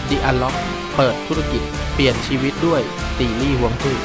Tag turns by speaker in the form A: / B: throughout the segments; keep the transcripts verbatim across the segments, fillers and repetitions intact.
A: The Unlock เปิดธุรกิจเปลี่ยนชีวิตด้วยตีลี่ฮวงจุ้ย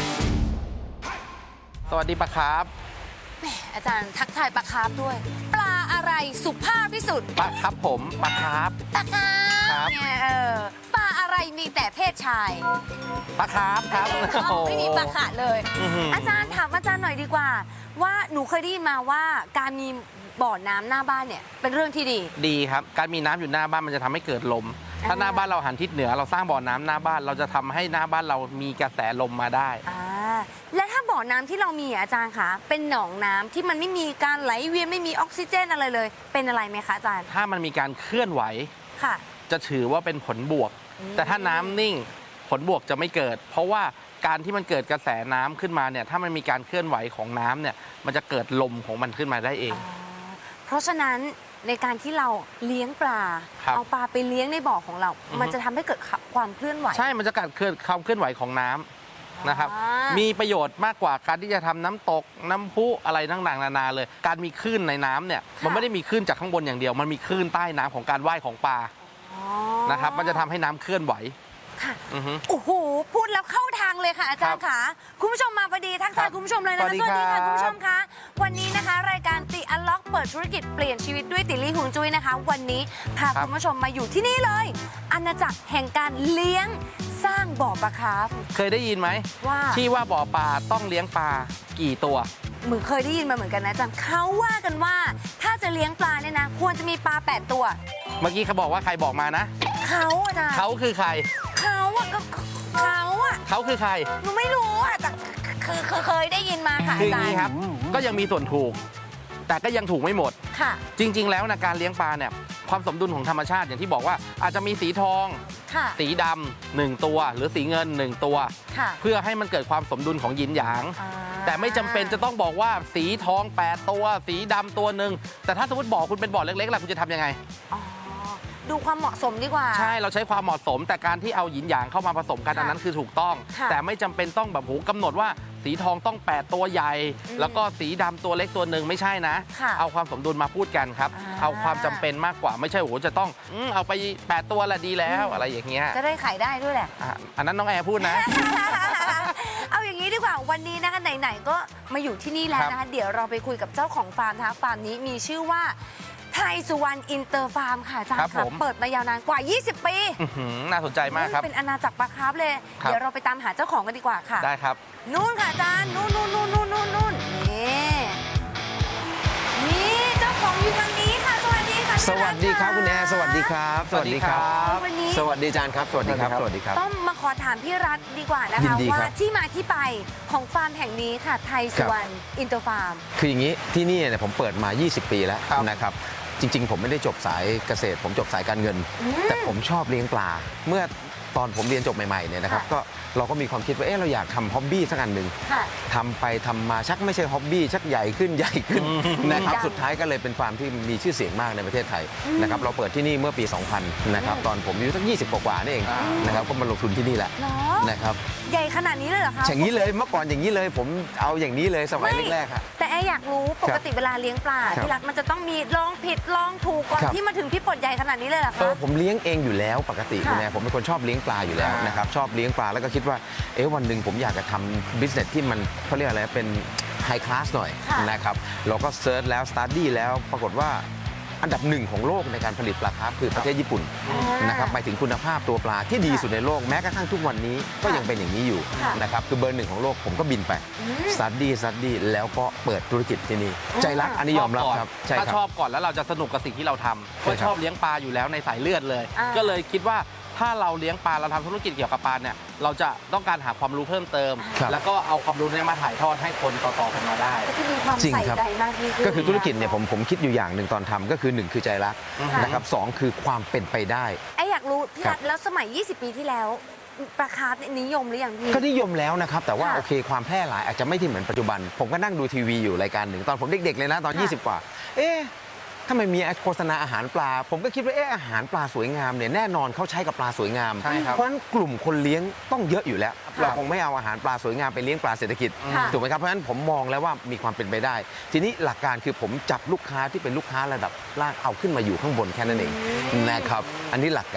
A: สวัสดีปะครับ
B: แหมอาจารย์ทักทายปลาคาร์ฟด้วยปลาอะไรสุภาพที่สุด
A: ปะครับผมปะครับ
B: ปลาคาร์ฟเนี่ยเออปลาอะไรมีแต่เพศชาย
A: ปะครับครับ
B: ไม่มีปลาขาเลยอาจารย์ถามอาจารย์หน่อยดีกว่าว่าหนูเคยได้ยินมาว่าการมีบ่อน้ำหน้าบ้านเนี่ยเป็นเรื่องที่ดี
A: ดีครับการมีน้ำอยู่หน้าบ้านมันจะทำให้เกิดลมถ้าหน้าบ้านเราหันทิศเหนือเราสร้างบ่อน้ำหน้าบ้านเราจะทำให้หน้าบ้านเรามีกระแสลมมาได้
B: อ่าและถ้าบ่อน้ำที่เรามีอาจารย์คะเป็นหนองน้ำที่มันไม่มีการไหลเวียนไม่มีออกซิเจนอะไรเลยเป็นอะไรไหมคะอาจารย์
A: ถ้ามันมีการเคลื่อนไหว
B: ค่ะ
A: จะถือว่าเป็นผลบวกแต่ถ้าน้ำนิ่งผลบวกจะไม่เกิดเพราะว่าการที่มันเกิดกระแสน้ำขึ้นมาเนี่ยถ้ามันมีการเคลื่อนไหวของน้ำเนี่ยมันจะเกิดลมของมันขึ้นมาได้เอง
B: เพราะฉะนั้นในการที่เราเลี้ยงปลาเอาปลาไปเลี้ยงในบ่อของเรา มันจะทำให้เกิดความเคลื่อนไหว
A: ใช่มันจะเกิดความเคลื่อนไหวของน้ำนะครับมีประโยชน์มากกว่าการที่จะทำน้ำตกน้ำพุอะไรต่างๆนานาเลยการมีคลื่นในน้ำเนี่ยมันไม่ได้มีคลื่นจากข้างบนอย่างเดียวมันมีคลื่นใต้น้ำของการว่ายของปลานะครับมันจะทำให้น้ำเคลื่อนไหว
B: ค่ะโอ้โหพูดแล้วเข้าทางเลยค่ะอาจารย์ค่ะคุณผู้ชมมาพอดีทักทายคุณผู้ชมเลยนะคะสวัสดีค่ะคุณผู้ชมคะวันนี้นะคะรายการติอันล็อกเปิดธุรกิจเปลี่ยนชีวิตด้วยติลี่ฮวงจุ้ยนะคะวันนี้พาคุณผู้ชมมาอยู่ที่นี่เลยอาณาจักรแห่งการเลี้ยงสร้างบ่อปลาคาร์ฟ
A: เคยได้ยินไหมว่าที่ว่าบ่อปลาต้องเลี้ยงปลากี่ตัว
B: เหมือนเคยได้ยินมาเหมือนกันนะอาจารย์เขาว่ากันว่าถ้าจะเลี้ยงปลาเนี่ยนะควรจะมีปลาแปดตัว
A: เมื่อกี้เขาบอกว่าใครบอกมานะ
B: เขาอาจารย์
A: เขาคือใคร
B: เขาอะก็เขาอะ
A: เขาคือใคร
B: หนูไม่รู้อะแต่คือเคยได้ยินมาค่ะ
A: คืออย่างนี้ครับก็ยังมีส่วนถูกแต่ก็ยังถูกไม่หมด
B: ค่ะ
A: จริงๆแล้วนะการเลี้ยงปลาเนี่ยความสมดุลของธรรมชาติอย่างที่บอกว่าอาจจะมีสีทองสีดำหนึ่งตัวหรือสีเงินหนึ่งตัวเพื่อให้มันเกิดความสมดุลของหยินหยางแต่ไม่จำเป็นจะต้องบอกว่าสีทองแปดตัวสีดำตัวหนึ่งแต่ถ้าสมมติบ่อคุณเป็นบ่อเล็กๆล่ะคุณจะทำยังไง
B: ดูความเหมาะสมดีกว่า
A: ใช่เราใช้ความเหมาะสมแต่การที่เอาหยินหยางเข้ามาผสมกันอันนั้นคือถูกต้องแต่ไม่จำเป็นต้องแบบโหกำหนดว่าสีทองต้องแปดตัวใหญ่แล้วก็สีดำตัวเล็กตัวหนึ่งไม่ใช่นะเอาความสมดุลมาพูดกันครับเอาความจำเป็นมากกว่าไม่ใช่โหจะต้องเอาไปแปดตัวละดีแล้วอะไรอย่างเงี้ย
B: จะได้ขายได้ด้วยแหละ
A: อันนั้นน้องแอร์พูดนะ
B: เอาอย่างนี้ดีกว่าวันนี้นะคะไหนๆก็มาอยู่ที่นี่แล้วนะคะเดี๋ยวเราไปคุยกับเจ้าของฟาร์มนะคะฟาร์มนี้มีชื่อว่าไทยสุวรรณอินเตอร์ฟาร์มค่ะอาจารย์ค่ะเปิดมายาวนานกว่ายี่สิบปี
A: น่าสนใจมากครับ
B: เป็นอาณาจักรปลาคาร์ฟเลยเดี๋ยวเราไปตามหาเจ้าของกันดีกว่าค่ะ
A: ได้ครับ
B: นู่นค่ะอาจารย์นู่นนู่นนู่นนู่นนู่นนู่นนี่นี่เจ้าของอยู่ทางนี้ค่ะสวัสดีค่ะ
C: สวัสดีครับคุณแอร์สวัสดีครับสวัสดีครับ
B: วันนี้
C: สวัสดีอาจารย์ครับสวัสดีครับสวัสดีครับ
B: ต้องมาขอถามพี่รัฐดีกว่านะคะว่าที่มาที่ไปของฟาร์มแห่งนี้ค่ะไทยสุวรรณอินเตอร์ฟาร์ม
C: คืออย่างนี้ที่นี่เนี่ยผมเปิดมายี่สิบปีแล้วนะครับจริงๆผมไม่ได้จบสายเกษตรผมจบสายการเงินแต่ผมชอบเลี้ยงปลาเมื่อตอนผมเรียนจบใหม่ๆเนี่ยนะครับก็เราก็มีความคิดว่าเออเราอยากทำฮ็อบบี้สักอันหนึ่งทำไปทำมาชักไม่ใช่ฮ็อบบี้ชักใหญ่ขึ้นใหญ่ขึ้นนะครับสุดท้ายก็เลยเป็นฟาร์มที่มีชื่อเสียงมากในประเทศไทยนะครับเราเปิดที่นี่เมื่อปีสองพันนะครับตอนผมอายุสักยี่สิบกว่าๆนี่เองนะครับก็มาลงทุนที่นี่แหละนะครับ
B: ใหญ่ขนาดนี้เลยเหรอคะ
C: อย่างนี้เลยเมื่อก่อนอย่างนี้เลยผมเอาอย่างนี้เลยสมัยแรกๆค่ะ
B: แต่แอร์อยากรู้ปกติเวลาเลี้ยงปลาพี่รัฐมันจะต้องมีลองผิดลองถูกก่อนที่มาถึงพี่ปลดใหญ่ขนาดนี้เลยเหรอคะ
C: ผมเลี้ยงเองอยู่แล้วปกติคุณแม่ผมเป็นคนชอบเลี้ยงปลาอยู่แล้วนะครับชอบเลี้ยงปลาแล้วก็คิดว่าเอ๊ะวันหนึ่งผมอยากจะทำบิสเนสที่มันเขาเรียกอะไรเป็นไฮคลาสหน่อยนะครับเราก็เซิร์ชแล้วสตาร์ดี้แล้วปรากฏว่าอันดับหนึ่งของโลกในการผลิตปลาคาร์ฟคือประเทศญี่ปุ่นนะครับหมายถึงคุณภาพตัวปลาที่ดีสุดในโลกแม้กระทั่งทุกวันนี้ก็ยังเป็นอย่างนี้อยู่นะครับคือเบอร์หนึ่งของโลกผมก็บินไปสตาร์ดี้สตาร์ดี้แล้วก็เปิดธุรกิจที่นี่ใจรักอันนี้ยอมรับครับ
A: ถ้าชอบก่อนแล้วเราจะสนุกกับสิ่งที่เราทำก็ชอบเลี้ยงปลาอยู่แล้วในสายเลือดเลยก็เลยคิดว่าถ้าเราเลี้ยงปลาเราทำธุรกิจเกี่ยวกับปลาเนี่ยเราจะต้องการหาความรู้เพิ่มเติมแล้วก็เอาความรู้นี้มาถ่ายทอดให้คนต่อๆกันมาได้
B: ก็มีความใส่ใจมากยิ่งขึ้น
C: ก็คือธุรกิจเนี่ยผมผมคิดอยู่อย่างหนึ่งตอนทำก็คือหนึ่งคือใจรักนะครับสองคือความเป็นไปได้
B: ไอ้อยากรู้พี่รัฐแล้วสมัยยี่สิบปีที่แล้วปลาคาร์ฟนิยมหรือยังพี่
C: ก็นิยมแล้วนะครับแต่ว่าโอเคความแพร่หลายอาจจะไม่ที่เหมือนปัจจุบันผมก็นั่งดูทีวีอยู่รายการหนึ่งตอนผมเด็กๆเลยนะตอนยี่สิบกว่าเอ๊ะถ้ามันมีโฆษณาอาหารปลาผมก็คิดว่าเอออาหารปลาสวยงามเนี่ยแน่นอนเขาใช้กับปลาสวยงามเพราะฉะนั้นกลุ่มคนเลี้ยงต้องเยอะอยู่แล้วเราคงไม่เอาอาหารปลาสวยงามไปเลี้ยงปลาเศรษฐกิจถูกไหมครับเพราะฉะนั้นผมมองแล้วว่ามีความเป็นไปได้ทีนี้หลักการคือผมจับลูกค้าที่เป็นลูกค้าระดับล่างเอาขึ้นมาอยู่ข้างบนแค่นั้นเองนะครับอันนี้หลักการ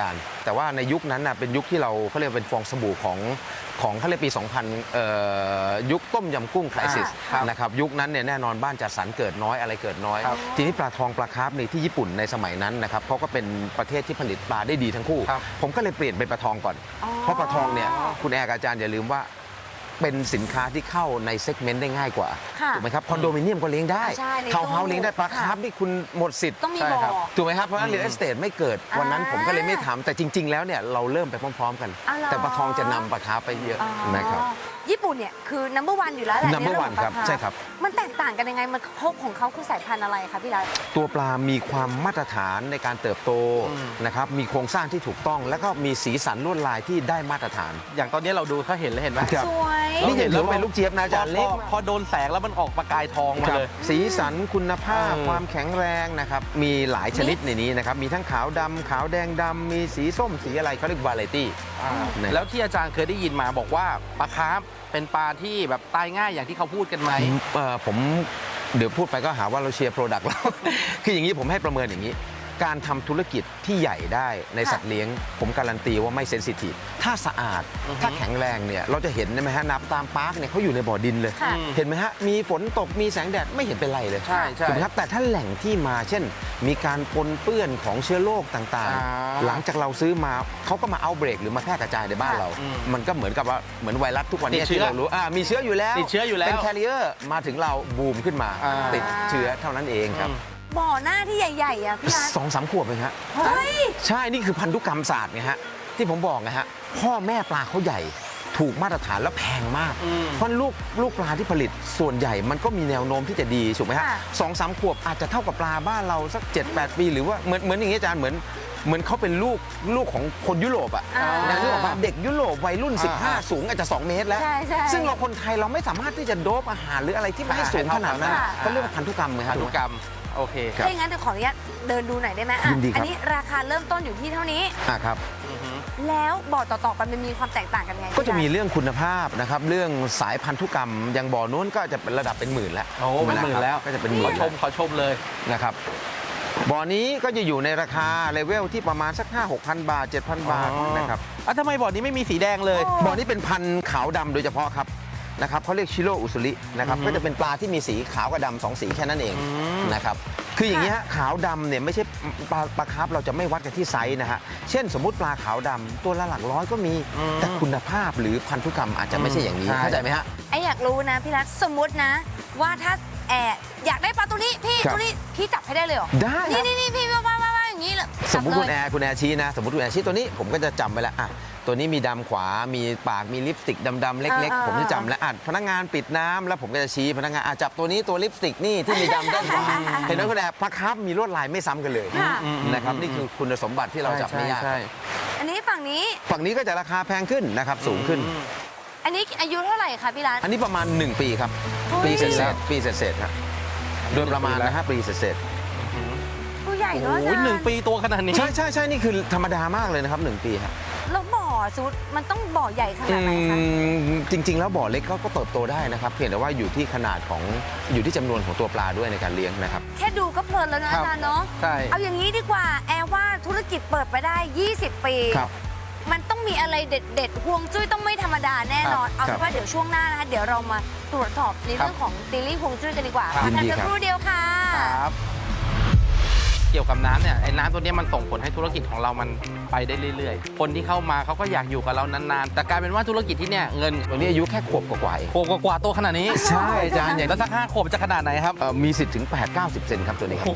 C: แต่ว่าในยุคนั้นน่ะเป็นยุคที่เราเขาเรียกเป็นฟองสบู่ของของเขาเรียกปี สองพัน เอ่อยุคต้มยำกุ้งไครซิส
A: ครับ
C: นะครับยุคนั้นเนี่ยแน่นอนบ้านจัดสรรเกิดน้อยอะไรเกิดน้อย
A: ครับ
C: ทีนี้ปลาทองปลาคาร์ฟในที่ญี่ปุ่นในสมัยนั้นนะครับเขาก็เป็นประเทศที่ผลิตปลาได้ดีทั้งคู่
A: ครับ
C: ผมก็เลยเปลี่ยนเป็นปลาทองก่อน
B: อ๋อ
C: เพราะปลาทองเนี่ยคุณแอร์กับอาจารย์อย่าลืมว่าเป็นสินค้าที่เข้าในเซกเมนต์ได้ง่ายกว่า
B: ค่ะ
C: ถูกไหมครับคอนโดมิเนียมก็เลี้ยงได้
B: ใช่ใน
C: ทาวน์เฮาส์
B: ตู้
C: เลี้ยงได้ปลา
B: ค่ะ
C: คาร์ฟนี่คุณหมดสิทธิ์
B: ต้องมี
A: ใช่
B: บ่อ
A: ครับ
C: ถูกไหมครับเพราะฉะนั้น real estate ไม่เกิดวันนั้น
B: อ่า
C: ผมก็เลยไม่ทำแต่จริง ๆ แล้วเนี่ยเราเริ่มไปพร้อม ๆ กัน
B: อ๋อเหรอ
C: แต่ปลาทองจะนำปลาคาร์ฟไปเยอะ
B: อ๋อ
C: นะครับ
B: ญี่ปุ่นเนี่ยคือ number one อยู่แล้วแหละ
C: number
B: ใเอง
C: one
B: ของ
C: ครับ
B: ปลาา
C: ใช่ครับ
B: มันแตกต่างกันยังไงมันพบของเขาคือสายพันธุ์อะไรคะพี่รัต
C: ตัวปลามีความมาตรฐานในการเติบโต
A: อืม
C: นะครับมีโครงสร้างที่ถูกต้อง แล้วก็มีสีสันลวดลายที่ได้มาตรฐาน
A: อย่างตอนนี้เราดูเขาเห็นแล้วเห็นไหม
C: ครับ
B: สวย
C: นี่ยังถือว่าเป็นลูกเจี๊ยบนะอาจารย์
A: พ
C: เล็ก
A: อพอโดนแสงแล้วมันออกประกายทองมา
C: ครับ
A: เลย
C: สีสันคุณภาพ
A: เออ
C: ความแข็งแรงนะครับมีหลายชนิดในนี้นะครับมีทั้งขาวดำขาวแดงดำมีสีส้มสีอะไรเขาเรียกวาไรตี้
A: อ่า
C: เนี่ย
A: แล้วที่อาจารย์เคยได้ยินมาบอกว่าปลาคาร์ฟเป็นปลาที่แบบตายง่ายอย่างที่เขาพูดกันไหม
C: เอ่อผมเดี๋ยวพูดไปก็หาว่าเราเชียร์โปรดักต์เรา คืออย่างนี้ผมให้ประเมินอย่างนี้ การทำธุรกิจที่ใหญ่ได้ใน
B: ค่ะ
C: สัตว์เลี้ยง ผมการันตีว่าไม่เซนซิทีฟถ้าสะอาด
A: อือฮึ
C: ถ้าแข็งแรงเนี่ยเราจะเห็นไหมฮะน้ำตามปาร์คเนี่ยเขาอยู่ในบ่อดินเลย
B: ค่ะ
C: เห็นไหมฮะมีฝนตกมีแสงแดดไม่เห็นเป็นไรเลย
A: ใช่ใช่
C: ถูกไหมครับแต่ถ้าแหล่งที่มาเช่น มีการปนเปื้อนของเชื้อโรคต่าง
A: อ่า
C: ๆ หลังจากเราซื้อมาเขาก็มาเอาเบรกหรือมาแพร่กระจายในบ้าน
B: ค่ะ
C: เรา
A: อืม
C: มันก็เหมือนกับว่าเหมือนไวรัสทุกวันนี้
A: ติดเชื้
C: ที่
A: อ
C: เรารู้อ่ามีเชื้ออยู่แล้ว
A: ติดเชื้ออยู่แล้ว
C: เป็นแคริเออร์มาถึงเราบูมขึ้นมา
A: อ่า
C: ติดเชื้อเท่านั้นเองครับ
A: อืม
B: บ่อหน้าที่ใหญ่ๆอ่ะพี่รัต
C: สองสามขวบเองฮะ
B: เฮ้ย
C: ใช่นี่คือพันธุกรรมศาสตร์ไงฮะที่ผมบอกนะฮะพ่อแม่ปลาเขาใหญ่ถูกมาตรฐานแล้วแพงมาก
A: อืม
C: เพราะลูกลูกปลาที่ผลิตส่วนใหญ่มันก็มีแนวโน้มที่จะดีถูกไหมฮะ
B: ค่ะ
C: สองสามขวบอาจจะเท่ากับปลาบ้านเราสักเจ็ดแปดปีหรือว่าเหมือนเหมือนอย่างนี้อาจารย์เหมือนเหมือนเขาเป็นลูกลูกของคนยุโรปอ่ะ
B: อ่า
C: นะนึกออกปะเด็กยุโรปวัยรุ่น
A: อ่า
C: สิบห้า สูงอาจจะสองเมตรแล้ว
B: ใช่ใช่
C: ซึ่งเราคนไทยเราไม่สามารถที่จะโดบอาหารหรืออะไรที่ไม่ให้สูงขนาดนั้น
B: ค่ะ
C: เขาเรียกว่าพันธุกรรมไหมครั
A: พั
C: บ
A: นธุกรรมโอเค
C: ครับ
B: ถ้าอย่างนั้นเดี๋ยวขออนุญาตเดินดูหน่อยได้ไหมอ่ะ
C: ยินดีครับ
B: อันี้ราคาเริ่มต้นอยู่ที่เท่านี้
C: อ่ะครับ
A: อือฮึ
B: แล้วบ่อต่อๆไปมันมีความแตกต่างกันไง
C: ก็จะมี
B: พี่รัต
C: เรื่องคุณภาพนะครับเรื่องสายพันธุกรรมอย่างบ่อนู้นก็จะเป็นระดับเป็นหมื่นแล้ว
A: โอ้เป็นหมื่นแล้ว
C: ก็จะเป็นห
A: ข
C: มื่
A: อน ชมขอชมเลย
C: นะครับบ่อนี้ก็จะอยู่ในราคาเลเวลที่ประมาณสัก ห้าหกพัน บาท เจ็ดพัน บาท
A: อ๋อ
C: นะครับ
A: อ่ะทำไมบ่อนี้ไม่มีสีแดงเลย
B: โอ้
C: บ่อนี้เป็นพันธุ์ขาวดำโดยเฉพาะครับนะครับเขาเรียกชิโรอุสุรินะครับ
A: อือฮึ
C: ก็จะเป็นปลาที่มีสีขาวกับดำสองสีแค่นั้นเอง
A: อืม
C: นะครับคืออย่างนี้ฮะขาวดำเนี่ยไม่ใช่ปลาปลาคาร์ฟเราจะไม่วัดกันที่ไซส์นะฮะเช่นสมมุติปลาขาวดำตัวละหลักร้อยก็มี
A: อืม
C: แต่คุณภาพหรือพันธุกรรมอาจจะไม่ใช่อย่างนี้
A: ใช่
C: เข้าใจไหมฮะ
B: ไออยากรู้นะพี่รัตสมมตินะ ว่าถ้าแอบอยากได้ปลาตัวนี้พี่
C: ครับ
B: ตัวนี้พี่จับให้ได้เลยเหรอ
C: ได้ครั
B: นี่
C: บ
B: นี่นี่พี่ว่าว่าว่าว่าอย่างนี้เลย
C: สมมติ
B: จับ
C: คุณ
B: เลย
C: แอร์คุณแอร์ชี้นะ สมมติคุณแอร์ชี้ตัวนี้ผมก็จะจำไว้แล้วอ่ะตัวนี้มีดำขวา มีปากมีลิปสติกดำๆเล็ก
B: อ่า
C: ๆ ผมจะจำแล้วอ่ะพนักงานปิดน้ำแล้วผมก็จะชี้พนักงานอ่ะจับตัวนี้ตัวลิปสติกนี่ที่มีดำด้านขวาเห็นไหมคุณแอร์ปลาคาร์ฟมีลวดลายไม่ซ้ำกันเลย
B: ค่ะ
A: อืม
C: นะครับนี่คือคุณสมบัติที่เราจับไม่ยาก
A: ใช่
B: อันนี้ฝั่งนี้
C: ฝั่งนี้ก็จะราคาแพงขึ้นนะครับสูงขึ้น
A: อืม
B: อันนี้อายุเท่าไหร่คะพี่รัต
C: อันนี้ประมาณ หนึ่ง ปีครับ
B: เฮ้ย
C: ปีเศษๆปีเศษๆครับโดยประมาณนะฮะปีเศษ
B: ตัวใหญ่
A: โอ้
B: เนาะอา
A: โห
B: จารย์
A: หนึ่งปีตัวขนาดนี้
C: ๆใช่ใช่ใช่นี่คือธรรมดามากเลยนะครับหนึ่งปีครับ
B: แล้วบ่อสุดมันต้องบ่อใหญ่ขนาดไหนคะ
C: อืมจริง ๆ แล้วบ่อเล็กก็ก็เติบโตได้นะครับ เพียงแต่ว่าอยู่ที่ขนาดของอยู่ที่จำนวนของตัวปลาด้วยในการเลี้ยงนะครับ
B: แค่ดูก็เพลินแล้วนะ
A: ครั
B: อา
A: บ
B: จารย์เนาะ
A: ใช่
B: เอาอย่างนี้ดีกว่า แอร์ว่าธุรกิจเปิดไปได้ ยี่สิบ ปี
C: ครับ
B: มันต้องมีอะไรเด็ดๆห่วงจุ้ยต้องไม่ธรรมดาแน่นอน เอา
C: ครั
B: เป็
C: บ
B: นว่าเดี๋ยวช่วงหน้านะคะ เดี๋ยวเรามาตรวจสอบในเรื่องของตีลี่ห่วงจุ้ยกันดีกว่า
A: ครับ
B: พักกัน
C: ยินดี
B: สัก
C: ครับ
B: ครู่เดียวค่ะ
A: ครับ เกี่ยวกับน้ำเนี่ยไอ้น้ำตัวเนี้ยมันส่งผลให้ธุรกิจของเรามันไปได้เรื่อยๆ คนที่เข้ามาเขาก็อยากอยู่กับเรานานๆ แต่กลายเป็นว่าธุรกิจที่เนี่ยเงิน
C: ตัวนี้อายุแค่ขวบกว่าๆเอง
A: โกกว่าๆตัวขนาดนี้
C: ใช่อาจารย์อย่าง
A: แล้วสักห้าขวบจะขนาดไหนครับ
C: เอ่อมีสิทธิ์ถึง แปดเก้าสิบ เซนครับตัวนี้ครับ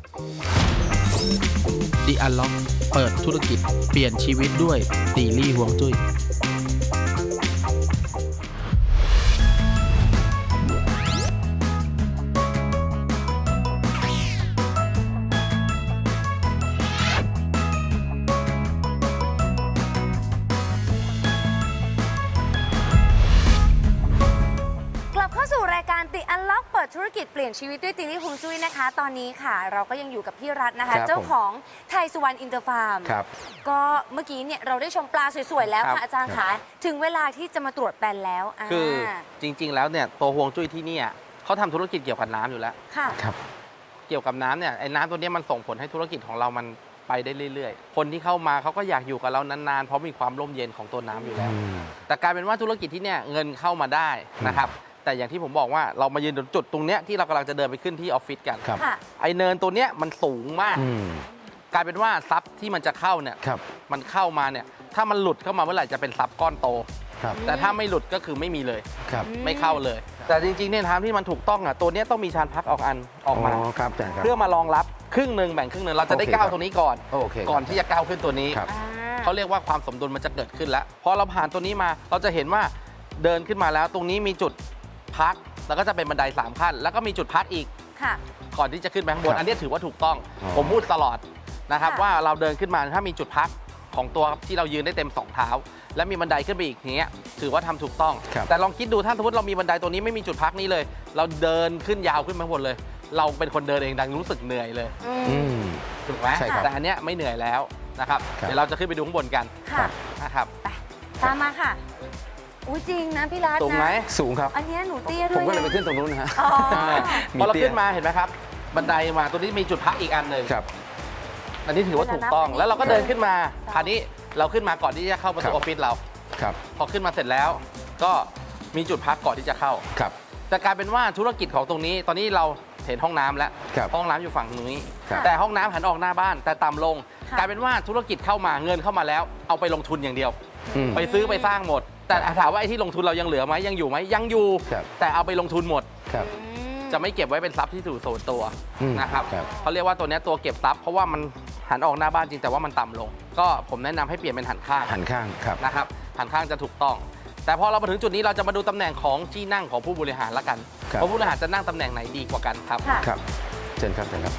D: The Unlock เปิดธุรกิจเปลี่ยนชีวิตด้วยตีลี่ฮวงจุ้ย
B: กลับเข้าสู่รายการติอันล็อกเปิดธุรกิจเปลี่ยนชีวิตด้วยตีลี่ฮวงจุ้ยนะคะ ตอนนี้ค่ะ เราก็ยังอยู่กับพี่รัตน์นะคะ
C: ครับ
B: เจ้าของไทยสุวรรณอินเตอร์ฟาร์ม
C: ครับ
B: ก็เมื่อกี้เนี่ยเราได้ชมปลาสวยๆแล้ว
A: ครับ
B: ค่ะอาจารย์คะถึงเวลาที่จะมาตรวจแปลนแล้วา
A: คือจริง ๆ แล้วเนี่ยตัวฮวงจุ้ยที่เนี่ยเขาทำธุรกิจเกี่ยวกับน้ำอยู่แล้ว
B: ค่ะ
C: ครับ
A: เกี่ยวกับน้ำเนี่ยไอ้น้ำตัวเนี้ยมันส่งผลให้ธุรกิจของเรามันไปได้เรื่อยๆคนที่เข้ามาเขาก็อยากอยู่กับเรานานๆเพราะมีความร่มเย็นของตัวน้ำอยู่แล้ว
C: อืม
A: แต่กลายเป็นว่าธุรกิจที่เนี่ยเงินเข้ามาได้นะครับแต่อย่างที่ผมบอกว่าเรามายืนตรงจุดตรงเนี้ยที่เรากำลังจะเดินไปขึ้นที่ออฟฟิศกัน
C: ครับ
B: ค่ะ
A: ไอเนินตัวเนี้ยมันสูงมาก
C: อืม
A: กลายเป็นว่าทรัพย์ที่มันจะเข้าเนี่ย
C: ครับ
A: มันเข้ามาเนี่ยถ้ามันหลุดเข้ามาเมื่อไหร่จะเป็นทรัพย์ก้อนโต
C: ครับ
A: แต่ถ้าไม่หลุดก็คือไม่มีเลย
C: ครับ
A: ไม่เข้าเลย แต่จริงๆเนี่ยทางที่มันถูกต้องอ่ะตัวเนี้ยต้องมีชานพักออกอันออกมา
C: อ๋อครับอาจารย์ครับ
A: เพื่อมารองรับครึ่งหนึ่งแบ่งครึ่งหนึ่งเราจะได้
C: โอเค
A: ก้าว
C: ครับ
A: ตรงนี้ก่อน
C: โอเคครับ
A: ก่อนที่จะก้าวขึ้นตัวนี้
C: ครับ
B: อ่า
A: เขาเรียกว่าความสมดุลมันจะเกิดขึ้นแล้วพอเราผ่านตัวนี้มาเราจะเห็นว่าเดินขึ้นมาแล้วตรงนี้มีจุดพักแล้วก็จะเป็นบันไดสามขั้นแล้วก็มีจุดพักอีก
B: ค่ะ
A: ก่อนที่จะขึ้นไปข้างบ
C: คน รับ
A: อันนี้ถือว่าถูกต้อง
C: อ๋อ
A: ผมพูดตลอดนะครับ
B: ค่ะ
A: ว่าเราเดินขึ้นมาถ้ามีจุดพักของตัวที่เรายืนได้เต็มสองเท้า และมีบันไดขึ้นไปอีกอย่างเงี้ยถือว่าทำถูกต้อง
C: ครับ
A: แต่ลองคิดดูถ้าสมมติเรามีบันไดตัวนี้ไม่มีจุดพักนี้เลย เราเดินขึ้นยาวขึ้นมาหมดเลย เราเป็นคนเดินเองดังรู้สึกเหนื่อยเลย
B: อื
C: อื
B: ม
C: ม
A: ถูกไหม
C: ใช่ครับ
A: แต่อันเนี้ยไม่เหนื่อยแล้วนะครับ
C: ครับ
A: เดี๋ยวเราจะขึ้นไปดูข้างบนกัน
B: ค่ะ
A: นะครับ
B: ไปตามมาค่ะอุ้ยจริงนะพี่รัตน์
A: สูงไหม
B: นะ
C: สูงครับ
B: อันเนี้ยหนูเตี้ยด้
C: ผ
B: ว
C: ม
B: ย
C: ก็เลยไป
B: ไง
C: ขึ้นตรงนู้นนะฮะ
B: อ๋อ
A: พอเรา
C: มีเตี้ย
A: ขึ้นมาเห็นไหมครับ บันไดมาตัวนี้มีจุดพักอีกอันหนึ่ง
C: ครับ
A: อันนี้ถือว่าถูกต้อง
B: เวลานับ
A: แล้วเราก็เดินขึ้นมา
B: ครับ
A: คราวนี้เราขึ้นมาก่อนที่จะเข้าประตู
C: ค
A: อ
C: รับ
A: อฟฟิศเรา
C: ครับ
A: พอขึ้นมาเสร็จแล้ว ก็มีจุดพักก่อนที่จะเข้า
C: ครับ
A: แต่กลายเป็นว่าธุรกิจของตรงนี้ ตอนนี้เราเห็นห้องน้ำแล้ว
C: ครับ
A: ห้องน้ำอยู่ฝั่งนี้
C: ครับ
A: แต่ห้องน้ำหันออกหน้าบ้าน แต่ต่ำลง
B: ค่ะ
A: กลายเป็นว่าธุรกิจเข้ามาเงินเข้ามาแล้ว เอาไปลงทุนอย่างเดียว
C: อืม
A: ไปซื้อไปสร้างหมด แต่ถามว่าไอ้ที่ลงทุนเรายังเหลือไหมยังอยู่ไหมยังอยู่
C: ครับ
A: แต่เอาไปลงทุนหมด
C: ครับ
B: อืม
A: จะไม่เก็บไว้เป็นทรัพย์ที่สู่โสนตัว
C: อืม
A: นะครับ
C: ครับ
A: เขาเรียกว่าตัวเนี้ยตัวเก็บทรัพย์เพราะว่ามันหันออกหน้าบ้านจริงแต่ว่ามันต่ำลง ก็ผมแนะนำให้เปลี่ยนเป็นหันข้าง
C: หันข้างครับ
A: นะครับหันข้างจะถูกต้อง แต่พอเรามาถึงจุดนี้เราจะมาดูตำแหน่งของที่นั่งของผู้บริหารละกัน
C: ครับ
A: ว่าผู้บริหารจะนั่งตำแหน่งไหนดีกว่ากันครับ
B: ค่ะ
C: ครับเชิญครับเชิญครับ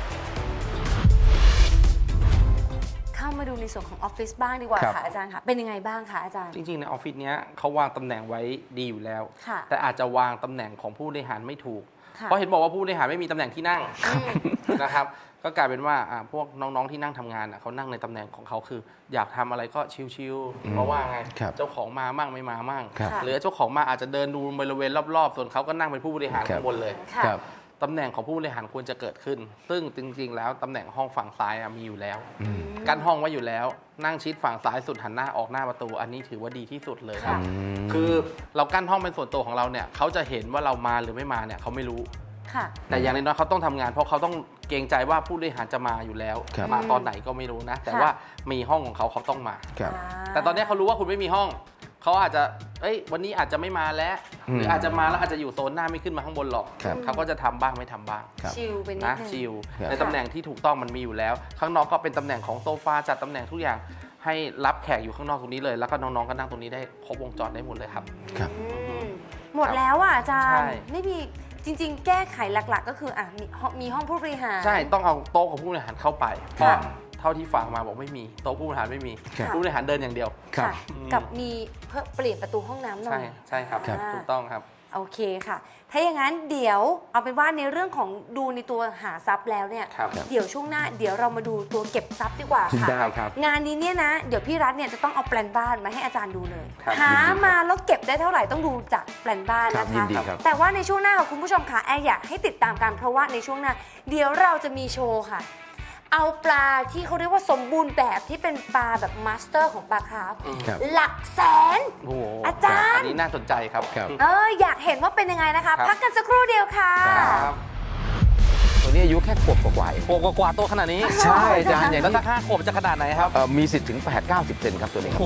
B: เข้ามาดูในส่วนของออฟฟิศบ้างดีกว่า
C: ครับ
B: ค่ะอาจารย์ค่ะ เป็นยังไงบ้างคะอาจารย์
A: จริงๆในออฟฟิศเนี้ยเขาวางตำแหน่งไว้ดีอยู่แล้ว
B: ค่ะ
A: แต่อาจจะวางตำแหน่งของผู้บริหารไม่ถูก
B: ค่ะ
A: เพราะเห็นบอกว่าผู้บริหารไม่มีตำแหน่งที่นั่ง
B: อืม
A: นะครับก็กลายเป็นว่าอ่าพวกน้องๆที่นั่งทำงานอ่ะเขานั่งในตำแหน่งของเขาคือ อยากทำอะไรก็ชิว
C: อืม
A: ๆเพราะว่าไง
C: ครับ
A: เจ้าของมามั่งไม่มามั่ง
C: ครับ
B: ค่ะ
A: หรือเจ้าของมาอาจจะเดินดูบริเวณรอบๆ ส่วนเขาก็นั่งเป็นผู้บริหาร
C: ครับ
A: ข้างบนเลย
B: ค่ะ
C: ครับ
A: ตำแหน่งของผู้บริหารควรจะเกิดขึ้น ซึ่งจริงๆ แล้วตำแหน่งห้องฝั่งซ้ายอะมีอยู่แล้ว
C: อืม
A: กั้นห้องไว้อยู่แล้ว นั่งชิดฝั่งซ้ายสุดหันหน้าออกหน้าประตู อันนี้ถือว่าดีที่สุดเลย
B: ค่ะ
C: ม
A: คือเรากั้นห้องเป็นส่วนตัวของเราเนี่ยเขาจะเห็นว่าเรามาหรือไม่มาเนี่ยเขาไม่รู้
B: ค่ะ
A: แต่อย่างน้อยๆเขาต้องทำงาน เพราะเขาต้องเกรงใจว่าผู้บริหารจะมาอยู่แล้ว
C: ครับ
A: มาตอนไหนก็ไม่รู้นะ แต่
B: ค่ะ
A: ว่ามีห้องของเขาเขาต้องมา
C: ครับ
A: แต่ตอนนี้เขารู้ว่าคุณไม่มีห้อง เขาอาจจะ เอ้ย วันนี้อาจจะไม่มาแล้ว หรืออาจจะมาแล้วอาจจะอยู่โซนหน้าไม่ขึ้นมาข้างบนหรอก
C: ครับ
A: เขาก็จะทำบ้างไม่ทำบ้าง
C: ครับ
B: ชิลไปนิด
A: นะ
B: นึง
A: ชิล
C: ครับ
A: ในตำแหน่งที่ถูกต้องมันมีอยู่แล้ว ข้างนอกก็เป็นตำแหน่งของโซฟาจัดตำแหน่งทุกอย่าง ให้รับแขกอยู่ข้างนอกตรงนี้เลย แล้วก็น้องๆก็นั่งตรงนี้ได้ครบวงจรได้หมดเลยครับ
C: ครับ
B: อืมหมดแล้วอ่ะอาจาร
A: ใช่
B: ย์ ไม่มีจริง ๆ แก้ไขหลักๆ ก็คืออ่ะมีห้องมีห้องผู้บริหาร
A: ใช่ ต้องเอาโต๊ะของผู้บริหารเข้าไปเพ
B: ค่ะ
A: ราะเท่าที่ฟังมาบอกไม่มี โต๊ะผู้บริหารไม่มี
C: ครับ
A: ผู้บริหารเดินอย่างเดียว
C: ครับ
B: ค่ะ กับมีเพิ่มเปลี่ยนประตูห้องน้ำหน่อ
A: ใช่
B: ย
A: ใช่ครับ
B: อ่า
A: ถูกต้องครับ
B: โอเคค่ะ ถ้าอย่างนั้นเดี๋ยวเอาเป็นว่าในเรื่องของดูในตัวหาทรัพย์แล้วเนี่ย
A: ครับ
B: เดี๋ยวช่วงหน้าเดี๋ยวเรามาดูตัวเก็บทรัพย์ดีกว่าค่ะ
C: ได้ครับ
B: งานนี้เนี่ยนะ เดี๋ยวพี่รัฐเนี่ยจะต้องเอาแปลนบ้านมาให้อาจารย์ดูเลย
A: ครับ
B: หามาแล้วเก็บได้เท่าไหร่ต้องดูจากแปลนบ้าน
C: ครับ
B: นะ
C: ยิ
B: คะ
C: นดีครับ
B: แต่ว่าในช่วงหน้าค่ะคุณผู้ชมค่ะแอร์อยากให้ติดตามกันเพราะว่าในช่วงหน้า เดี๋ยวเราจะมีโชว์ค่ะ เอาปลาที่เขาเรียกว่าสมบูรณ์แบบที่เป็นปลาแบบมาสเตอร์ของปลาคราฟ
C: ครับ
B: หลักแสน
A: โอ้โห
B: อาจารย์
A: อันนี้น่าสนใจครับ
C: ครับ
B: เอออยากเห็นว่าเป็นยังไงนะคะ
A: ครับ
B: พักกันสักครู่เดียวค่ะ
A: ครับ
C: ตัวนี้อายุแค่ขวบกว่าๆเอง
A: โอ้กว่าๆตัวขนาดนี้
C: ใช่อาจารย์อย่าง
A: แล้ว
C: นี้
A: ถ้าห้าขวบจะขนาดไหนครับ
C: เอ่อมีสิทธิ์ถึงแปด เก้าสิบเซนครับตัวนี้ครับ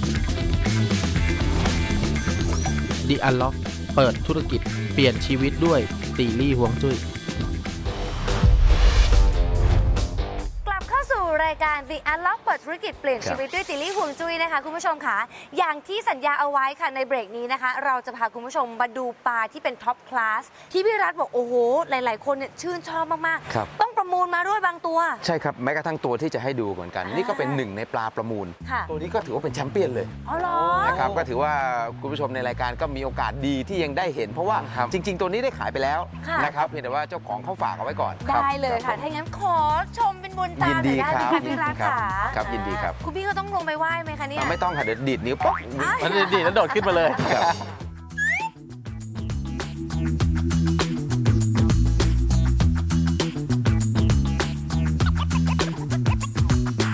D: The Unlock เปิดธุรกิจเปลี่ยนชีวิตด้วยตีลี่ฮวงจุ้ย
B: กลับเข้าสู่รายการ The Unlock เปิดธุรกิจเปลี่ยนชีวิตด้วยติลลี่ฮวงจุ้ยนะคะคุณผู้ชมค่ะอย่างที่สัญญาเอาไว้ค่ะในเบรกนี้นะคะ เราจะพาคุณผู้ชมมาดูปลาที่เป็นท็อปคลาสที่พี่รัฐบอกโอ้โหหลาย ๆ คนเนี่ยชื่นชอบมาก
C: ครับ
B: ๆ ต้องประมูลมาด้วยบางตัว
C: ใช่ครับแม้กระทั่งตัวที่จะให้ดูเหมือนกัน
B: อ่านี่
C: นี่ก็เป็นหนึ่งในปลาประมูล
B: ค่ะ
C: ตัวนี้ก็ถือว่าเป็นแชมเปี้ยนเลย
B: อ๋อเหรอ
C: นะครับก็ถือว่าคุณผู้ชมในรายการก็มีโอกาสดีที่ยังได้เห็น เพราะว่า
A: ครับ
C: จริง ๆ ตัวนี้ได้ขายไปแล้ว
B: ค่ะ
C: นะครับเพียงแต่ว่าเจ้าของเขาฝากเอาไว้ก่อน
B: ได้เลย
C: รั
B: ค่ะ
C: บ
B: ถ้าอย่างนั้นขอชมเป็นบุญตา
C: ยินดี
B: หน่อยได้ไหม
C: ครั
B: คะ
C: บ
B: พี่รัฐ
C: ครับ
B: ค่ะ
C: ครับยินดีครับ
B: คุณพี่ก็ต้องลงไปไหว้ไหมคะเนี่ย
C: อ่ะไม่ต้องค่ะเดี๋ยวดีดนิ้วป๊อก
B: อ้าว
A: มันดีๆแล้วโดดขึ้นมาเลย
C: ครับ
B: ค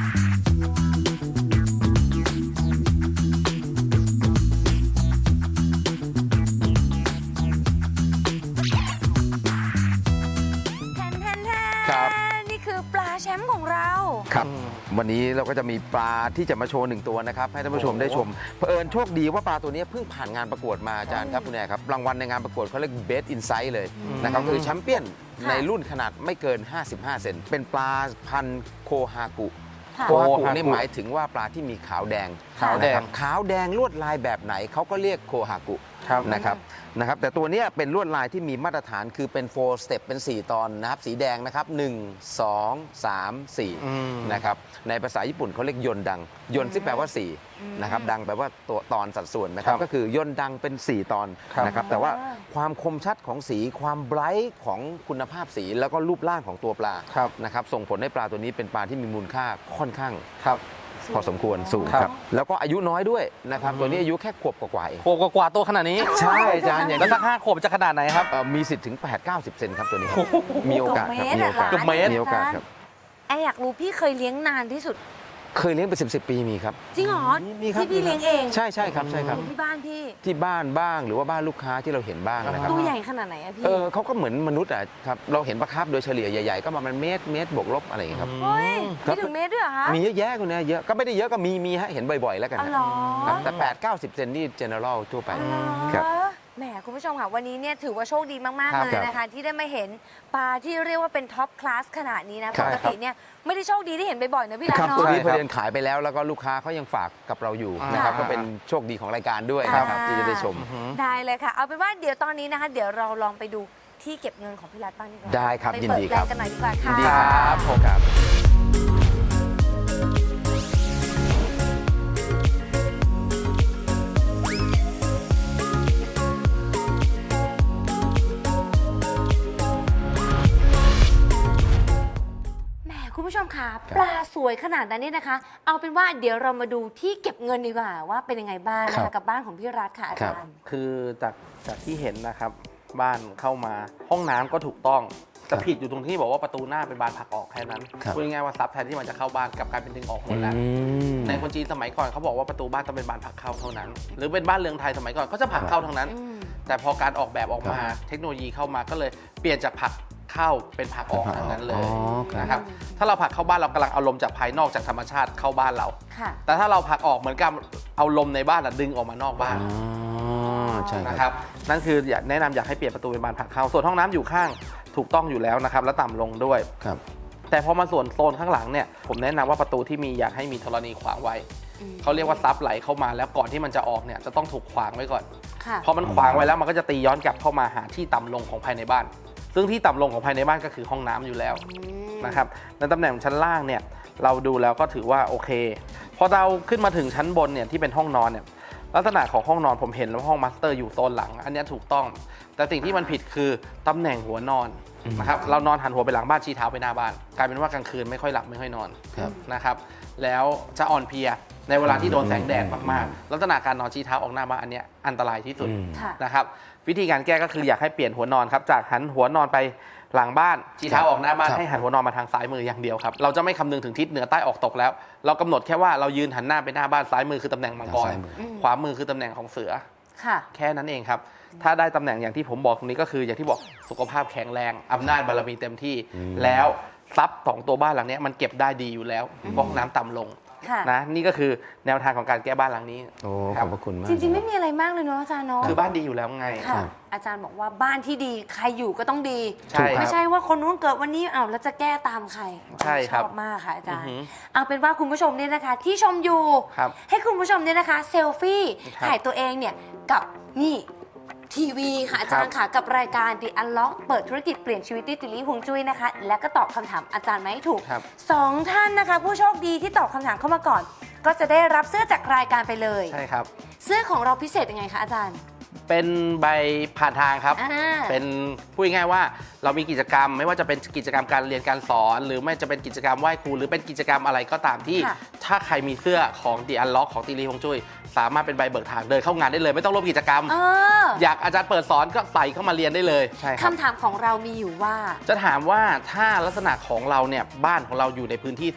C: วันนี้เราก็จะมีปลาที่จะมาโชว์หนึ่งตัวนะครับให้ท่านผู้ชมได้ชมเผอิญโชคดีว่าปลาตัวนี้เพิ่งผ่านงานประกวดมาอาจารย์ครับคุณแอร์ครับรางวัลในงานประกวดเขาเรียก Best Insight เลยนะครับคือแชมเปี้ยนในรุ่นขนาดไม่เกินห้าสิบห้าเซนเป็นปลาพันธุ์โคฮากุ
B: ค่ะ
C: โคฮากุนี่หมายถึงว่าปลาที่มีขาวแดง
A: ขาวแดง
C: นะครับขาวแดงลวดลายแบบไหนเขาก็เรียกโคฮากุ
A: ครับ
C: นะครับนะครับแต่ตัวเนี้ยเป็นลวดลายที่มีมาตรฐานคือเป็นโฟร์สเต็ปเป็นสี่ตอนนะครับสีแดงนะครับหนึ่ง สอง สาม สี่
A: อืม
C: นะครับในภาษาญี่ปุ่นเขาเรียกยนต์ดังยนต์ที่แปลว่าสี่นะครับดังแปลว่าตัวตอนสัดส่วนนะครับ
A: ครับ
C: ก็คือยนต์ดังเป็นสี่ตอน
A: ครับ
C: นะครับแต่ว่าความคมชัดของสีความไบรท์ของคุณภาพสีแล้วก็รูปร่างของตัวปลา
A: ครับ
C: นะครับส่งผลให้ปลาตัวนี้เป็นปลาที่มีมูลค่าค่อนข้าง
A: ครับ
C: พอสมควรสูง
A: ค
C: ค
A: รั
C: รับ บแล้วก็อายุน้อยด้วยนะครับตัวนี้อายุแค่ขวบกว่าๆเอง
A: โคกกว่าตัวขนาดนี้
C: ใช่อาจารย์อย่าง
A: แล้ว
C: ที่
A: ถ้าห้าขวบจะขนาดไหนครับ
C: เอ่อมีสิทธิ์ถึง แปด เก้าสิบ เซนครับตัวนี้ครับมีโอกาสครับมีโอกาส
A: เกือบเมตร
C: มีโอกาสครับ
B: แอร์อยากรู้พี่เคยเลี้ยงนานที่สุด
C: เคยเลี้ยงเป็นสิบสิบปีมีครับ
B: จริงเหรอ
C: มีมีครับ
B: ที่พี่เลี้ยงเอง
C: ใช่ใช่ครับใช่ครับ
B: ที่บ้านพี่
C: ที่บ้านบ้างหรือว่าบ้านลูกค้าที่เราเห็นบ้างนะครับ
B: ตัวใหญ่ขนาดไหนอะพี่
C: เออเขาก็เหมือนมนุษย์อ่ะครับเราเห็นปลาคาร์ฟโดยเฉลี่ยใหญ่ๆก็ประมาณเมตรเมตรบวกลบอะไรอย่างเงี้ยครับ
B: เฮ้ย
C: ครับ
B: ไม่ถึงเมตรด้วยเหรอคะ
C: มีเยอะแยะคุณเนี่ยเยอะก็ไม่ได้เยอะก็มีมีฮะเห็นบ่อยๆแล้วกัน
B: อ๋อ
C: ฮะ
B: เหรอ
C: ครับแต่แปด เก้าสิบ เซนนี่ general ทั่วไป
B: อ๋อเหรอ
C: ครับ
B: แหมคุณผู้ชมค่ะวันนี้เนี่ยถือว่าโชคดีมาก
A: ครั
B: ๆ
A: บ
B: เลยนะคะ ที่ได้มาเห็นปลาที่เรียกว่าเป็นท็อปคลาสขนาดนี้นะ
C: ครั
B: ป
C: บ
B: กติเนี่ยไม่ได้โชคดีที่เห็นบ่อยๆนะพี่รัต
C: ครับ
B: เนาะ
C: ตัวนี้
A: ใช่
C: พ
A: ครั
C: อบ เดินขายไปแล้วแล้วก็ลูกค้าเขายังฝากกับเราอยู่
A: อ่าน
C: นะครับ
A: อ่า
C: ก็เป็นโชคดีของรายการด้วย
B: ครับ
C: นะครับที่จะได้ชม
B: ได้เลยค่ะ เอาเป็นว่าเดี๋ยวตอนนี้นะคะ เดี๋ยวเราลองไปดูที่เก็บเงินของพี่รัตบ้างดีกว่า
C: ได้ครับ
B: ไป
C: ยิน
B: เปิด
C: ดี
B: แป
C: ค
B: ล
C: รับ
B: งกันหน่อยดีกว่า
C: ยิ
B: ค่ะ
C: นดีครับผมครับ
B: แหมคุณผู้ชมค่ะปลาสวยขนาดนั้นเนี่ยนะคะ เอาเป็นว่าเดี๋ยวเรามาดูที่เก็บเงินดีกว่าว่าเป็นยังไงบ้างนะ
C: ครั
B: คะ
C: บ
B: กับบ้านของพี่รัตค่ะอา
C: ครั
B: จา
C: บ
B: รย์
A: คือจากจากที่เห็นนะครับ บ้านเข้ามาห้องน้ำก็ถูกต้องแต่ผิดอยู่ตรงที่บอกว่าประตูหน้าเป็นบานผลักออกแค่นั้น
C: ครับ
A: พูดง่ายๆว่าซับแทนที่มันจะเข้าบ้านกลับกลายเป็นดึงออกหมดแล้ว
C: อืม
A: ในคนจีนสมัยก่อนเขาบอกว่าประตูบ้านต้องเป็นบานผลักเข้าเท่านั้น หรือเป็นบ้านเรือนไทยสมัยก่อนก็จะผลักเข้าทั้งนั้น
B: อืม
A: แต่พอการออกแบบออกมาเทคโนโลยีเข้ามาก็เลยเปลี่ยนจากผลักเข้าเป็นผลักออกทั้งนั้นเล
C: อ๋
A: ย
C: อครับ
A: นะครับถ้าเราผลักเข้าบ้านเรากำลังเอาลมจากภายนอกจากธรรมชาติเข้าบ้านเรา
B: ค่ะ
A: แต่ถ้าเราผลักออกเหมือนกับเอาลมในบ้านอะดึงออกมานอกบ้าน
C: อ๋อใช่
A: นะ
C: ค
A: ค
C: รั
A: รับ บนั่นคืออยากแนะนำอยากให้เปลี่ยนประตูเป็นบานผลักเข้าส่วนห้องน้ำอยู่ข้างถูกต้องอยู่แล้วนะครับและต่ำลงด้วย
C: ครับ
A: แต่พอมาส่วนโซนข้างหลังเนี่ยผมแนะนำว่าประตูที่มีอยากให้มีธรณีขวางไว้
B: อืม
A: เขาเรียกว่าซับไหลเข้ามาแล้วก่อนที่มันจะออกเนี่ยจะต้องถูกขวางไว้ก่อน
B: ค่ะ
A: พอมันขวางไว้แล้วมันก็จะตีย้อนกลับเข้ามาหาที่ต่ำลงของภายในบ้าน ซึ่งที่ต่ำลงของภายในบ้านก็คือห้องน้ำอยู่แล้ว
B: อืม
A: นะครับในตำแหน่งชั้นล่างเนี่ยเราดูแล้วก็ถือว่าโอเค พอเราขึ้นมาถึงชั้นบนเนี่ยที่เป็นห้องนอนเนี่ยลักษณะของห้องนอนผมเห็นแล้วห้องมาสเตอร์อยู่โซนหลัง อันเนี้ยถูกต้อง แต่สิ่งที่มันผิดคือตำแหน่งหัวนอนนะครับเรานอนหันหัวไปหลังบ้านชี้เท้าไปหน้าบ้าน กลายเป็นว่ากลางคืนไม่ค่อยหลับไม่ค่อยนอน
C: ครับ
A: นะครับแล้วจะอ่อนเพลียในเวลาที่โดนแสงแดดมากๆลักษณะการนอนชี้เท้าออกหน้าบ้านอันเนี้ยอันตรายที่สุด
C: อืม
B: ค่ะ
A: นะครับวิธีการแก้ก็คืออยากให้เปลี่ยนหัวนอนครับจากหันหัวนอนไปหลังบ้านชี้เท้าออกหน้าบ้าน
C: ครับ
A: ให้หันหัวนอนมาทางซ้ายมืออย่างเดียวครับเราจะไม่คำนึงถึงทิศเหนือใต้ออกตกแล้ว เรากำหนดแค่ว่าเรายืนหันหน้าไปหน้าบ้านซ้ายมือคือตำแหน่งมังกร
C: ซ้ายมือ
A: ขวามือคือตำแหน่งของเสือ
B: ค่ะ
A: แค่นั้นเองครับถ้าได้ตำแหน่งอย่างที่ผมบอกตรงนี้ก็คืออย่างที่บอกสุขภาพแข็งแรงอำนาจบารมีเต็มที่ แล้วทรัพย์ของตัวบ้านหลังเนี้ยมันเก็บได้ดีอยู่แล้วเพราะน้ำต่ำลง
B: ค่ะ
A: นะนี่ก็คือแนวทางของการแก้บ้านหลังนี้
C: โอ้
A: ค
C: ข
A: รั
C: อบ บพระคุณมาก
B: จริงๆไม่มีอะไรมากเลยเนาะอาจารย์เนาะ
A: คือบ้านดีอยู่แล้วไง
B: ค่ะ
C: ครับ
B: อาจารย์บอกว่าบ้านที่ดีใครอยู่ก็ต้องดี
A: ใช่ครับ
B: ไม่ใช่ว่าคนนู้นเกิดวันนี้อ้าวแล้วจะแก้ตามใคร
A: ใช่ครับ
B: ชอบมากค่ะอาจารย์
A: อือหือ
B: เอาเป็นว่าคุณผู้ชมเนี่ยนะคะ ที่ชมอยู่
A: ครับ
B: ให้คุณผู้ชมเนี่ยนะคะเซลฟี่
A: ครับ
B: ถ่ายตัวเองเนี่ยกับนี่ทีวีค่ะอาจารย์ค่ะกับรายการ The Unlock เปิดธุรกิจเปลี่ยนชีวิตด้วยติลี่ฮวงจุ้ยนะคะ และก็ตอบคำถามอาจารย์มาให้ถูก
A: ครับ
B: สองท่านนะคะ ผู้โชคดีที่ตอบคำถามเข้ามาก่อน ก็จะได้รับเสื้อจากรายการไปเลย
A: ใช่ครับ
B: เสื้อของเราพิเศษยังไงคะอาจารย์
A: เป็นใบผ่านทางครับ
B: อ่า
A: เป็นพูดง่ายๆว่าเรามีกิจกรรม ไม่ว่าจะเป็นกิจกรรมการเรียนการสอน หรือไม่จะเป็นกิจกรรมไหว้ครูหรือเป็นกิจกรรมอะไรก็ตามที่
B: ค่ะ
A: ถ้าใครมีเสื้อของ The Unlock ของตีรีฮวงจุ้ยสามารถเป็นใบเบิกทางเดินเข้างานได้เลย ไม่ต้องร่วมกิจกรรม
B: เออ
A: อยากอาจารย์เปิดสอนก็ใส่เข้ามาเรียนได้เลยใช่ครับ
B: คำถามของเรามีอยู่ว่า
A: จะถามว่าถ้าลักษณะของเราเนี่ยบ้านของเราอยู่ในพื้นที่สูง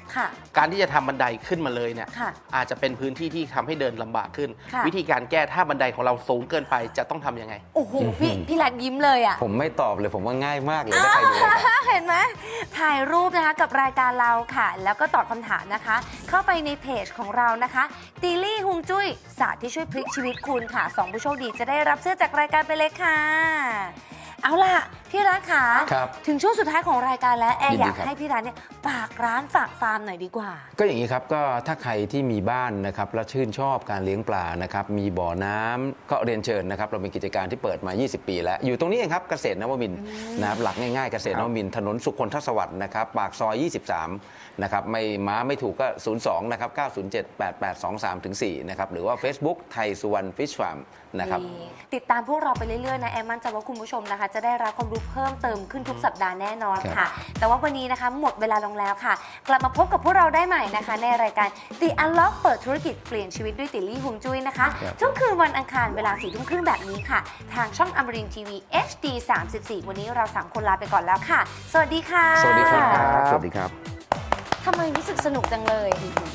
B: ค่ะ
A: การที่จะทำบันไดขึ้นมาเลยเนี่ย
B: ค่ะ
A: อาจจะเป็นพื้นที่ที่ทำให้เดินลำบากขึ้น
B: ค่ะ
A: วิธีการแก้ถ้าบันไดของเราสูงเกินไปจะต้องทำยังไง
B: โอ้โหพี่พี่รัฐยิ้มเลยอ่ะ
C: ผมไม่ตอบเลยผมว่าง่ายมากเลยถ้าใครดูรายการ
B: เห็นไหมถ่ายรูปนะคะกับรายการเราค่ะ แล้วก็ตอบคำถามนะคะ เข้าไปในเพจของเรานะคะตีลี่ฮวงจุ้ยศาสตร์ที่ช่วยพลิกชีวิตคุณค่ะสองผู้โชคดีจะได้รับเสื้อจากรายการไปเลยค่ะ เอาล่ะพี่รัฐค่ะ
C: ครับ
B: ถึงช่วงสุดท้ายของรายการแล้วแอร์
C: ยิน
B: อ
C: ดี
B: ยาก
C: ครับ
B: ให้พี่รัฐเนี่ยฝากร้านฝากฟาร์มหน่อยดีกว่า
C: ก็อย่างนี้ครับก็ถ้าใครที่มีบ้านนะครับแล้วชื่นชอบการเลี้ยงปลานะครับมีบ่อน้ำก็เรียนเชิญนะครับเรามีกิจการที่เปิดมา ยี่สิบ ปีแล้ว อยู่ตรงนี้เองครับเกษตรนวมินทร์นะครับหลักง่ายๆเกษตรนวมินทร์ถนนสุขคนทศวรรษนะครับปากซอย ยี่สิบสาม นะครับไม่ม้าไม่ถูกก็ ศูนย์ สอง นะครับ เก้า ศูนย์ เจ็ด แปด แปด สอง สาม สี่ นะครับหรือว่า Facebook ไทยสุวรรณฟิชฟาร์มนะครับ
B: ติดตามพวกเราไปเรื่อยๆนะแอมมั่นใจว่าคุณผู้ชมนะคะ จะได้รับความรู้เพิ่มเติมขึ้นทุกสัปดาห์แน่นอน
C: ครั
B: ค่ะ
C: บ
B: แต่ว่าวันนี้นะคะหมดเวลาลงแล้วค่ะ กลับมาพบกับพวกเราได้ใหม่นะคะ ในรายการ The Unlock เปิดธุรกิจเปลี่ยนชีวิตด้วยติลลี่ฮวงจุ้ยนะคะ ทุกคืนวันอังคารเวลาสี่ทุ่มครึ่งแบบนี้ค่ะ ทางช่องอมรินทร์ทีวี เอช ดี สามสิบสี่ วันนี้เราสามคนลาไปก่อนแล้วค่ะ สวัสดีค่ะ
C: สวัสดีครับสวัสดีครับ
B: ทำไมรู้สึกสนุกจังเลย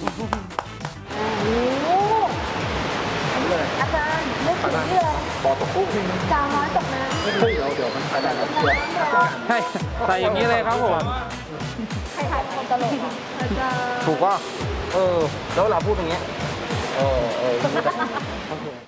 B: อาจารย์ไม่ถึงเลย
E: บอตกกุ้ง
B: จาวน้อยตกน้ำ
E: เฮ้ยเดี๋ยวเดี๋ยวมันขนาดนั้นเชียว
F: ใช่ใส่อย่างนี้เลยครับผม
B: ใครถ่ายความตลกอาจารย์
F: ถูกป่ะเออ แล้วเราพูดอย่างเงี้ย
E: เออเออ